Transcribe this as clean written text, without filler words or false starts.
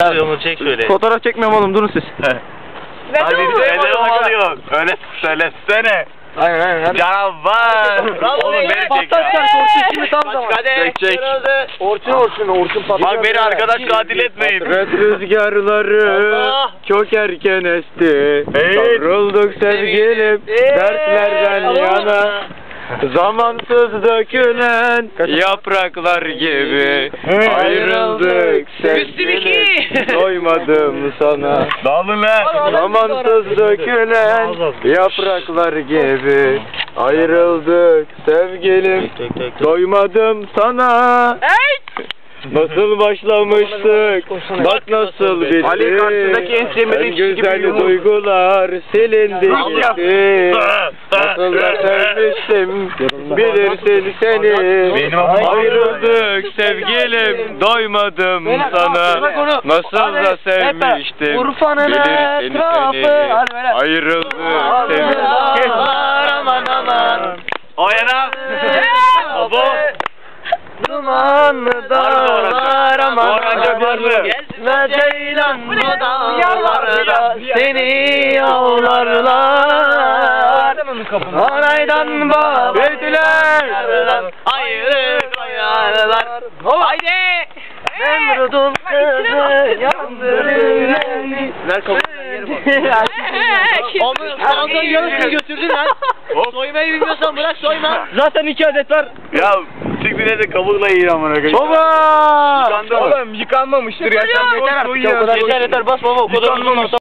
Onu çek şöyle. Fotoğraf çekmiyorum oğlum, durun siz. Hadi ne oluyor? Öyle söylesene. Aynen. Canavar. Oğlum beni çek ya. Patlatacak Orçun şimdi tam zaman. Çek. Orçun patlatacak. Bak beni arkadaş katil etmeyin. Red rüzgarları çok erken esti. Savrulduk sevgilim dertlerden yana. Zamansız dökülen yapraklar gibi ayrıldık sevgilim, doymadım sana. Dağılın lan. Zamansız dökülen yapraklar gibi ayrıldık sevgilim, doymadım sana. Nasıl başlamıştık, bak nasıl bitti. Ali karşısındaki en sevmediğim kişi gibi güzel duygular silindi gitti. Nasıl da sevmiştim, bilirsin seni. Ayrıldık sevgilim, doymadım sana. Nasıl da sevmiştim, bilirsin seni. Ayrıldık sevgilim. Aman. O yana. Abo. Dumanlı dağlar aman ve ceylan bu dağlarda seni avlarlar. Anaydan babetler ayrı koyarlar. Haydi! Nemrud'un kızı yandırır. Onu sağdan yarısını götürdün lan. Soymayı bilmiyorsan bırak soyma. Zaten 2 adet var. Ya siktir de kabukla yiyin amına koyayım. Baba! Yıkandı mı? Oğlum yıkanmamıştır ya. Yeter artık. Yeter bas baba. O kadar uzun